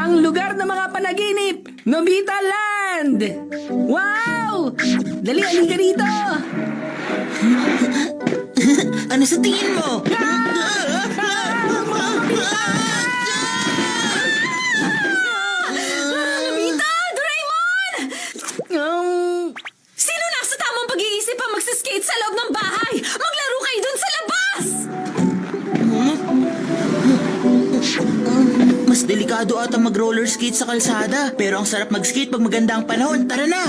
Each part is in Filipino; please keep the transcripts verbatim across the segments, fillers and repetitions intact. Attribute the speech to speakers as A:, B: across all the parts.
A: Ang lugar ng mga panaginip, Nobita Land! Wow! Dali, halika dito!
B: Ano sa tingin mo?
C: Nobita! Doraemon!
A: Um,
C: Sino nasa tamang pag-iisip ang magsiskate sa loob ng bahay? Maglaro kayo dun sa labas!
B: Mas delikado ata mag-roller skate sa kalsada. Pero ang sarap mag-skate pag maganda ang panahon. Tara na!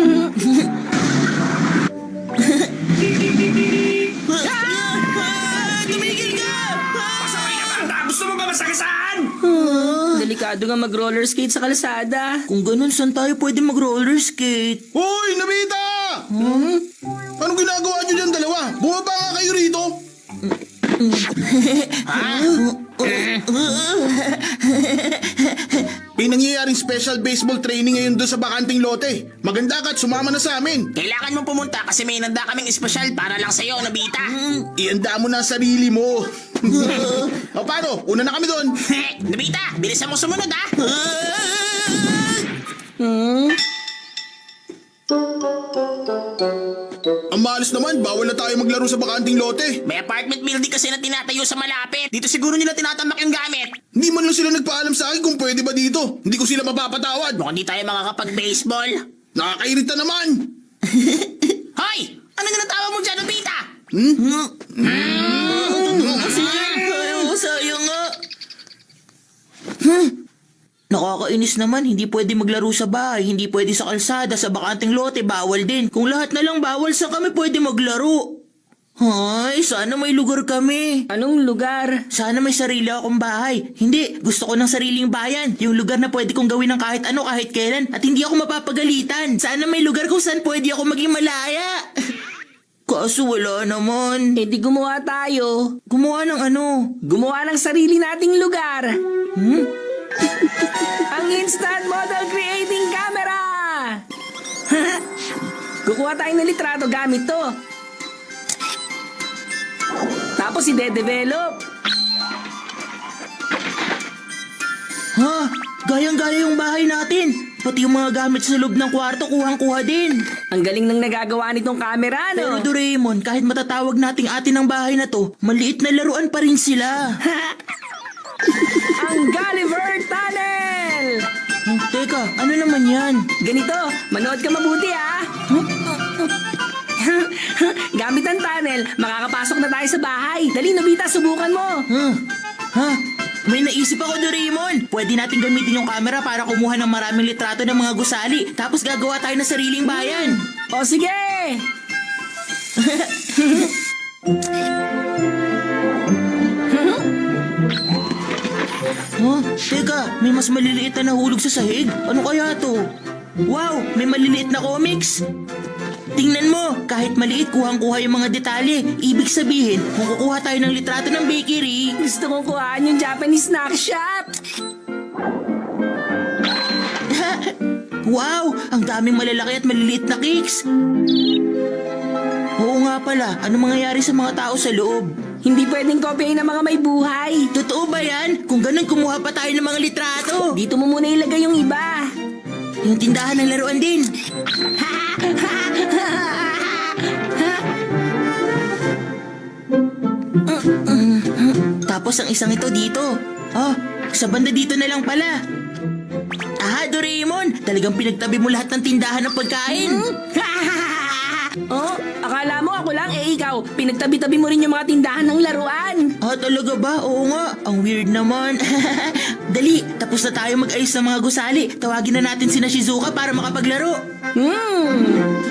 B: Tumigil ka!
D: Pasaway na bata! Gusto mo ba masagasaan?
A: delikado nga mag-roller skate sa kalsada.
B: Kung ganun, saan tayo pwede mag-roller skate?
E: Hoy, Nobita! Hmm? Anong ginagawa niyo dyan dalawa? Bumaba nga kayo rito. May nangyayaring special baseball training ngayon doon sa bakanting lote. Maganda ka at sumama na sa amin.
D: Kailangan mong pumunta kasi may inanda kaming espesyal para lang sa'yo, Nobita.
E: Ianda mo na ang sarili mo. O paano? Una na kami doon.
D: Nobita, bilisan mo sumunod, ha?
E: Ang malas naman, bawal na tayo maglaro sa bakanting lote.
D: May apartment building kasi na tinatayo sa malapit. Dito siguro nila tinatamak yung gamit.
E: Hindi man lang sila nagpaalam sa akin kung pwede ba dito. Hindi ko sila mapapatawad.
D: Mukhang di tayo makakapag-baseball.
E: Nakakairita naman.
D: Hoy! Ano na natawa mo dyan, Nobita?
B: Ayaw, sayang nga. Hmm. Nakakainis naman, hindi pwede maglaro sa bahay, hindi pwede sa kalsada, sa bakanting lote, bawal din. Kung lahat na lang bawal, saan kami pwede maglaro? Ay, sana may lugar kami.
A: Anong lugar?
B: Sana may sarili akong bahay. Hindi, gusto ko ng sariling bayan. Yung lugar na pwede kong gawin ng kahit ano, kahit kailan. At hindi ako mapapagalitan. Sana may lugar kung saan pwede ako maging malaya. Kaso wala naman.
A: Eh di gumawa tayo.
B: Gumawa ng ano?
A: Gumawa ng sarili nating lugar.
B: Hmm?
A: Ang Instant Model Creating Camera! Kukuha tayo ng litrato gamit to. Tapos ide-develop.
B: Ha? Gayang-gaya yung bahay natin. Pati yung mga gamit sa loob ng kwarto, kuhang-kuha din.
A: Ang galing ng nagagawa nitong camera,
B: Pero
A: no?
B: Doraemon, kahit matatawag nating atin ang bahay na to, maliit na laruan pa rin sila.
A: Ang Gulliver Tunnel!
B: Hmm, teka, ano naman yan?
A: Ganito, manood ka mabuti ah! Gamit ang tunnel, makakapasok na tayo sa bahay. Dali, Nobita, subukan mo.
B: Huh? Ha? May naisip ako, Doraemon. Pwede natin gamitin yung camera para kumuha ng maraming litrato ng mga gusali. Tapos gagawa tayo ng sariling bayan.
A: O sige!
B: Huh? Teka, may mas maliliit na nahulog sa sahig. Ano kaya to? Wow, may maliliit na comics. Tingnan mo, kahit maliit, kuhang-kuha yung mga detalye. Ibig sabihin, kung kukuha tayo ng litrato ng bakery,
A: Gusto kong kuhaan yung Japanese snack shop.
B: wow, ang daming malalaki at maliliit na cakes. Oo nga pala, ano mangyayari sa mga tao sa loob?
A: Hindi pwedeng kopyahin ng mga may buhay.
B: Totoo ba yan? Kung ganun, kumuha pa tayo ng mga litrato.
A: Dito mo muna ilagay yung iba.
B: Yung tindahan ng laruan din. Tapos ang isang ito dito. Oh, sa banda dito na lang pala. Aha, Doraemon! Talagang pinagtabi mo lahat ng tindahan ng pagkain.
A: Oh, akala mo ako lang, eh ikaw, pinagtabi-tabi mo rin yung mga tindahan ng laruan.
B: Ah, talaga ba? Oo nga. Ang weird naman. Dali, tapos na tayo mag-ayos ng mga gusali. Tawagin na natin sina Shizuka para makapaglaro.
A: Hmm.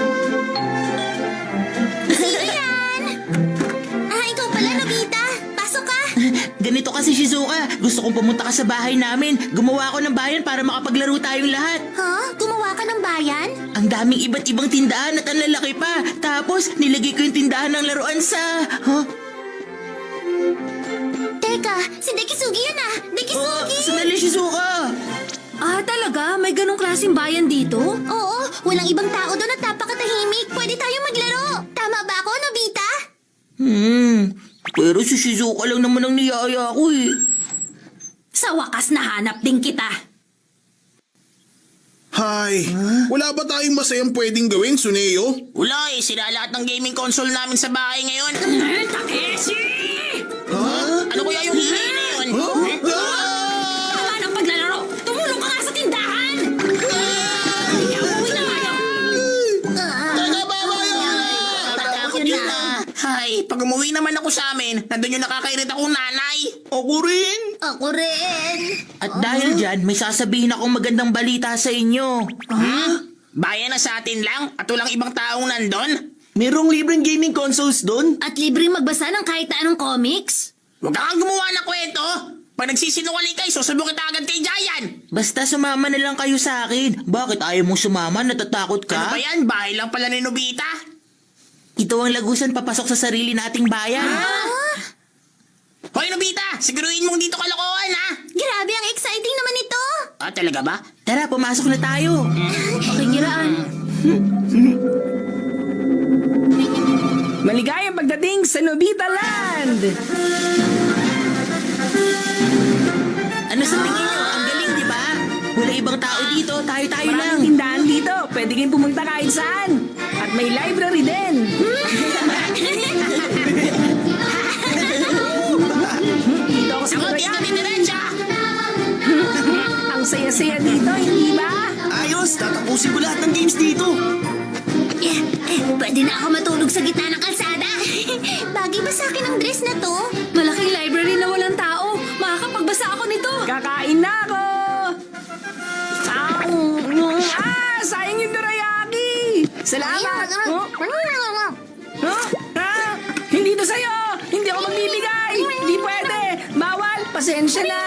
C: Ah, ikaw pala, Nobita. Pasok ka.
B: Ganito kasi, Shizuka. Gusto kong pumunta ka sa bahay namin. Gumawa ako ng bayan para makapaglaro tayong lahat.
C: Ha? Gumawa ka ng bayan?
B: Ang daming iba't ibang tindahan at ang lalaki pa. Tapos, nilagay ko yung tindahan ng laruan sa... Huh?
C: Teka, si Dekisugi yan ah.
B: Oh,
C: Dekisugi!
B: sandali, Shizuka.
C: Ah, talaga? May ganong klaseng bayan dito? Oo, walang ibang tao doon at napakatahimik. Pwede tayong maglaro. Tama ba ako, Nobita?
B: Hmm, pero si Shizuka lang naman ang niyaya ko eh.
C: Sa wakas nahanap din kita.
E: Hay, wala ba tayong masayang pwedeng gawin, Suneo?
D: Wala eh, sira lahat ng gaming console namin sa bahay ngayon.
A: Eh, Takeshi!
D: Ano kaya yung hihingin na yun?
C: Tama ng paglalaro! Tumulong ka nga sa tindahan! Kaya umuwi na kayo!
D: Natakot yun na. Hay, pag umuwi naman ako sa amin, nandun yung nakakairita kong nanay.
E: Ako rin.
C: Ako rin!
B: At dahil dyan, may sasabihin akong magandang balita sa inyo.
D: Bayan na sa atin lang at walang ibang taong nandun.
B: Merong libreng gaming consoles doon?
C: At libreng magbasa ng kahit na anong comics?
D: Huwag ka kang gumawa ng kwento. Pag nagsisinungaling kayo, susubo kita agad kay Giant.
B: Basta sumama na lang kayo sa akin. Bakit ayaw mong sumama? Natatakot
D: Ano
B: ka?
D: ba yan? Bahay lang pala ni Nobita.
B: Ito ang lagusan papasok sa sarili nating bayan.
D: Hoy Nobita, siguruhin mong dito kalokohan ha.
C: Grabe, ang exciting naman ito!
D: Ah, talaga ba?
B: Tara, pumasok na tayo.
C: Okay, giraan.
A: Maligayang pagdating sa Nobita Land!
B: Ano sa tingin nyo? Ang galing, di ba? Wala ibang tao dito, tayo-tayo lang.
A: Maraming tindahan dito. Pwede kayong pumunta kahit saan. At may library din. Dito ako sa
D: Ako dito
A: Korea.
D: ni Diretsa.
A: Ang saya-saya dito, hindi ba?
B: Ayos, tatapusin ko lahat ng games dito.
C: Eh, eh, pwede na ako matulog sa gitna ng kalsada. Bagay ba sa akin ang dress na to? Malaking library na walang tao. Makakapagbasa ako nito.
A: Kakain na ako! Ah, ah sayang yung dorayaki! Salamat! Oh, huh? Ah, hindi to sa'yo! Hindi ako magbibigay! Hindi pwede! Bawal! Pasensya na!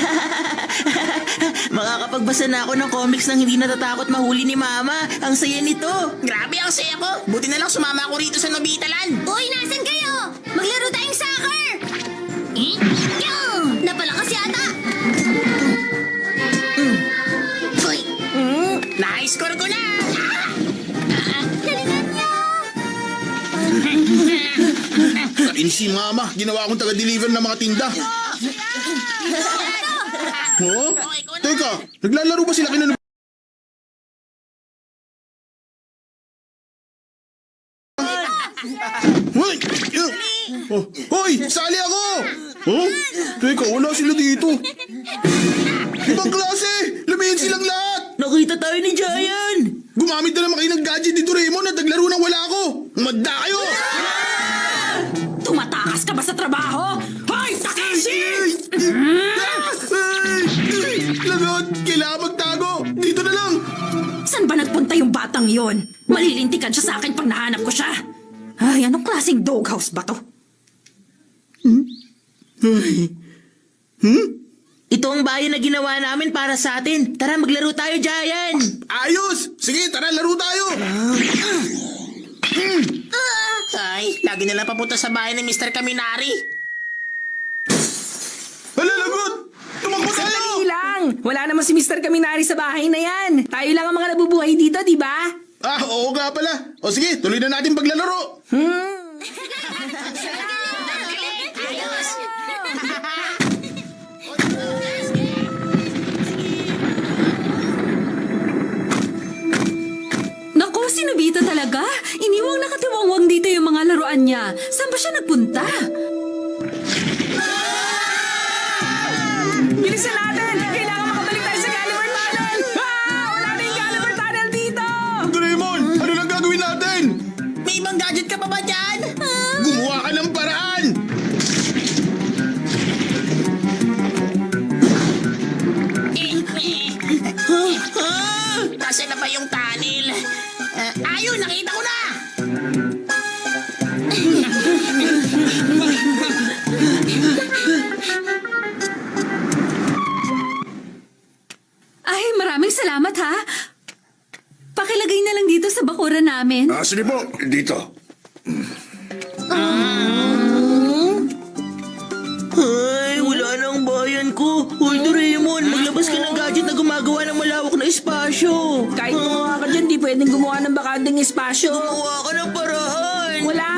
B: Makakapagbasa na ako ng comics nang hindi natatakot mahuli ni Mama. Ang saya nito.
D: Grabe ang saya ko. Buti na lang sumama ako rito sa Nobita Land.
C: Uy, nasan kayo? Maglaro tayong soccer! Eh? Yung! Napalakas yata! Uy!
A: Hmm?
D: Na-score ko na.
C: Galingan niyo!
E: Kainis si Mama, ginawa akong taga-deliver ng mga tinda. Oh? Teka, naglalaro ba sila kina Hoy! Oh, hoy! Sali ako! Huh? Teka, wala sila dito. Ibang klase! Lumihin silang lahat!
B: Nakita tayo ni Giant.
E: Gumamit na naman kayo ng gadget ni Doraemon at naglaro nang wala ako! Umadda kayo!
A: Tumatakas ka ba sa trabaho? Hoy, Takeshi!
E: Lagot! Kailangan magtago! Dito na lang!
A: Saan ba nagpunta yung batang yon? Malilintikan siya sa akin pag nahanap ko siya. Ay, anong klaseng doghouse ba to?
B: Ito ang bayan na ginawa namin para sa atin. Tara, maglaro tayo, Giant.
E: Ayos! Sige, tara, laro tayo!
D: Ay, lagi na lang papunta sa bahay ni Mister Kaminari.
E: Hala, lagot! Tumakbo tayo!
A: Sandali lang! Wala naman si Mister Kaminari sa bahay na yan. Tayo lang ang mga nabubuhay dito, di ba?
E: Ah, oo nga pala. O sige, tuloy na natin paglalaro.
A: Hmm.
F: Naku, si Nobita talaga. Iniwang nakatiwangwang dito yung mga laruan niya. Saan ba siya nagpunta?
A: Bilisan natin! Kailangan makabalik tayo sa Gulliver Tunnel! Ah! Wala na yung Gulliver Tunnel dito!
E: Doraemon, ano lang gagawin natin?
D: May ibang gadget ka pa ba dyan?
E: Gumawa ka ng paraan!
D: Eh, eh. Ah, Nasaan na ba yung tunnel? Ah, ayun, nakita ko na!
F: Ay, maraming salamat ha. Pakilagay na lang dito sa bakura namin.
E: Ah, sige po, dito.
B: Ay, wala na ang bayan ko. Hoy, Doraemon, maglabas ka ng gadget na gumagawa ng malawak na espasyo.
A: Kahit gumawa ka dyan, di pwedeng gumawa ng bakanding espasyo.
B: Gumawa ka ng paraan.
A: Wala